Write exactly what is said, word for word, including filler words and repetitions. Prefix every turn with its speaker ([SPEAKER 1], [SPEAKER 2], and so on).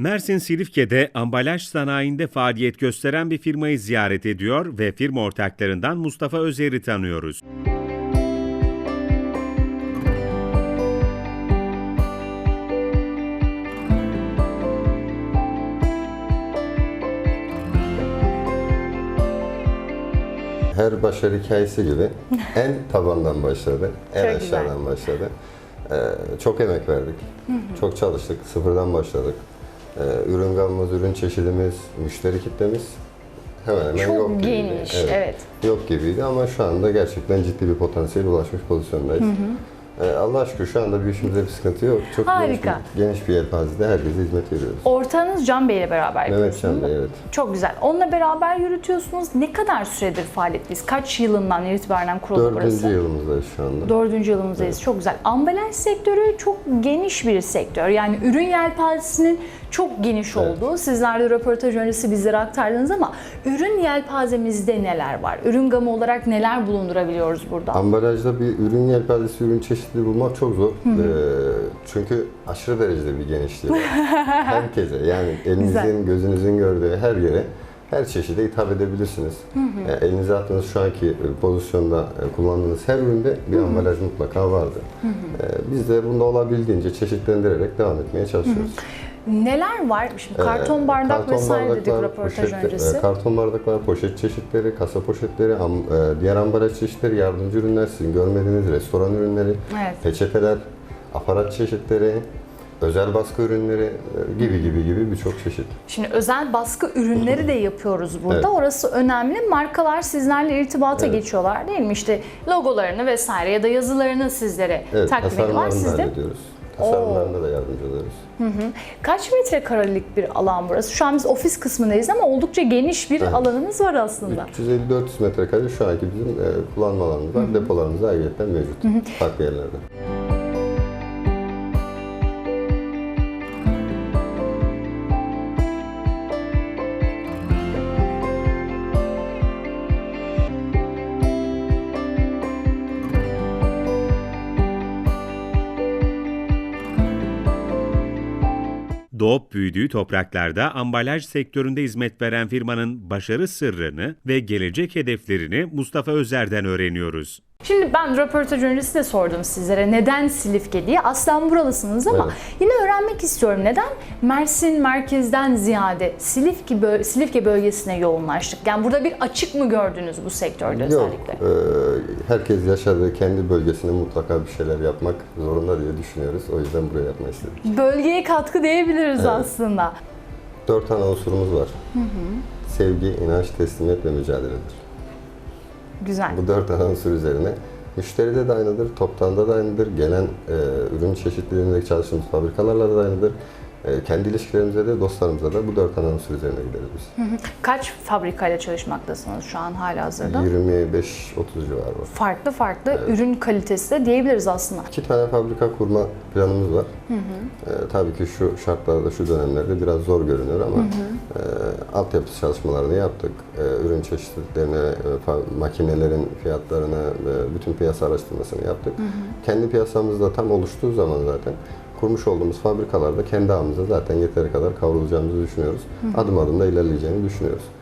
[SPEAKER 1] Mersin Silifke'de ambalaj sanayinde faaliyet gösteren bir firmayı ziyaret ediyor ve firma ortaklarından Mustafa Özer'i tanıyoruz.
[SPEAKER 2] Her başarı hikayesi gibi en tabandan başladı, en
[SPEAKER 3] Çok
[SPEAKER 2] aşağıdan
[SPEAKER 3] güzel.
[SPEAKER 2] başladı. Ee, çok emek verdik,
[SPEAKER 3] Hı hı.
[SPEAKER 2] çok çalıştık, sıfırdan başladık. Ee, ürün gamımız, ürün çeşidimiz, müşteri kitlemiz hemen hemen
[SPEAKER 3] Çok
[SPEAKER 2] yok gibiydi.
[SPEAKER 3] geniş, evet.
[SPEAKER 2] Yok gibiydi ama şu anda gerçekten ciddi bir potansiyel ulaşmış pozisyondayız.
[SPEAKER 3] Hı hı.
[SPEAKER 2] Ee, Allah'a şükür şu anda bir işimizde bir sıkıntı yok. Çok
[SPEAKER 3] Harika.
[SPEAKER 2] Geniş bir, geniş bir yelpazede herkese hizmet veriyoruz.
[SPEAKER 3] Ortağınız Can Bey ile beraber
[SPEAKER 2] Mehmet
[SPEAKER 3] yapıyorsunuz,
[SPEAKER 2] Can Bey,
[SPEAKER 3] değil mi?
[SPEAKER 2] evet.
[SPEAKER 3] Çok güzel. Onunla beraber yürütüyorsunuz. Ne kadar süredir faaliyetliyiz? Kaç yılından itibaren kuruldu burası?
[SPEAKER 2] Dördüncü yılımızdayız şu anda.
[SPEAKER 3] Dördüncü yılımızdayız.
[SPEAKER 2] Evet.
[SPEAKER 3] Çok güzel. Ambalaj sektörü çok geniş bir sektör. Yani ürün yelpazesinin çok geniş
[SPEAKER 2] Evet.
[SPEAKER 3] olduğu. Sizler de röportaj öncesi bizlere aktardınız ama ürün yelpazemizde neler var? Ürün gamı olarak neler bulundurabiliyoruz burada?
[SPEAKER 2] Ambalajda bir ürün yelpazesi, ürün çeşitliliği bulmak çok zor. Ee, çünkü aşırı derecede bir genişliği var. Herkese, yani elinizin,
[SPEAKER 3] Güzel.
[SPEAKER 2] gözünüzün gördüğü her yere, her çeşide hitap edebilirsiniz.
[SPEAKER 3] Hı hı.
[SPEAKER 2] Yani elinize attığınız şu anki pozisyonda e, kullandığınız her üründe bir ambalaj mutlaka vardır.
[SPEAKER 3] Hı hı.
[SPEAKER 2] Ee, biz de bunda olabildiğince çeşitlendirerek devam etmeye çalışıyoruz.
[SPEAKER 3] Hı hı. Neler var? Şimdi karton bardak
[SPEAKER 2] Karton
[SPEAKER 3] vesaire dedik
[SPEAKER 2] bardaklar,
[SPEAKER 3] röportaj
[SPEAKER 2] poşetler-
[SPEAKER 3] öncesi.
[SPEAKER 2] e, Karton bardaklar, poşet çeşitleri, kasa poşetleri, am- e, diğer ambalaj çeşitleri, yardımcı ürünler, sizin görmediğiniz restoran ürünleri,
[SPEAKER 3] Evet.
[SPEAKER 2] peçeteler, aparat çeşitleri, özel baskı ürünleri e, gibi gibi gibi birçok çeşit.
[SPEAKER 3] Şimdi özel baskı ürünleri de yapıyoruz burada.
[SPEAKER 2] Evet.
[SPEAKER 3] Orası önemli. Markalar sizlerle irtibata
[SPEAKER 2] Evet.
[SPEAKER 3] geçiyorlar değil mi? İşte logolarını vesaire ya da yazılarını sizlere
[SPEAKER 2] Evet,
[SPEAKER 3] takdim ediyorlar.
[SPEAKER 2] tasarımlarını
[SPEAKER 3] Siz
[SPEAKER 2] da
[SPEAKER 3] de
[SPEAKER 2] hallediyoruz. Tasarımlarında da yardımcı oluyoruz.
[SPEAKER 3] Hı hı. Kaç metrekarelik bir alan burası? Şu an biz ofis kısmındayız ama oldukça geniş bir
[SPEAKER 2] Evet.
[SPEAKER 3] alanımız var aslında.
[SPEAKER 2] üç yüz elli dört yüz metrekare şu anki bizim e, kullanma alanımız var. Depolarımız da ayrıyetten mevcut. Farklı yerlerde.
[SPEAKER 1] Doğup büyüdüğü topraklarda ambalaj sektöründe hizmet veren firmanın başarı sırrını ve gelecek hedeflerini Mustafa Özer'den öğreniyoruz.
[SPEAKER 3] Şimdi ben röportaj öncesi de sordum sizlere neden Silifke diye. Aslen buralısınız ama
[SPEAKER 2] Evet.
[SPEAKER 3] yine öğrenmek istiyorum. Neden Mersin merkezden ziyade Silifke, böl- Silifke bölgesine yoğunlaştık? Yani burada bir açık mı gördünüz bu sektörde
[SPEAKER 2] Yok,
[SPEAKER 3] özellikle?
[SPEAKER 2] e, herkes yaşadığı kendi bölgesine mutlaka bir şeyler yapmak zorunda diye düşünüyoruz. O yüzden buraya yapmayı istedik.
[SPEAKER 3] Bölgeye katkı diyebiliriz
[SPEAKER 2] Evet.
[SPEAKER 3] aslında.
[SPEAKER 2] Dört tane unsurumuz var. Hı hı. Sevgi, inanç, teslimiyet ve mücadeledir.
[SPEAKER 3] Güzel.
[SPEAKER 2] Bu dört tane unsur üzerine müşteride de aynıdır, toptanda da aynıdır, gelen e, ürün çeşitliliğindeki çalıştığımız fabrikalarla da aynıdır. E, kendi ilişkilerimizde de, dostlarımızla da bu dört tane unsur üzerine gideriz biz.
[SPEAKER 3] Hı hı. Kaç fabrikayla çalışmaktasınız şu an halihazırda?
[SPEAKER 2] yirmi beş otuz civarı var.
[SPEAKER 3] Farklı farklı ürün kalitesi de diyebiliriz aslında.
[SPEAKER 2] İki tane fabrika kurma planımız var.
[SPEAKER 3] Hı hı.
[SPEAKER 2] E, tabii ki şu şartlarda, şu dönemlerde biraz zor görünüyor ama
[SPEAKER 3] Hı hı.
[SPEAKER 2] e, altyapı çalışmalarını yaptık. E, ürün çeşitliliklerine, e, fa- makinelerin fiyatlarını, e, bütün piyasa araştırmasını yaptık.
[SPEAKER 3] Hı hı.
[SPEAKER 2] Kendi piyasamız da tam oluştuğu zaman zaten kurmuş olduğumuz fabrikalarda kendi ağımıza zaten yeteri kadar kavrulacağımızı düşünüyoruz. Hı hı. Adım adım da ilerleyeceğini düşünüyoruz.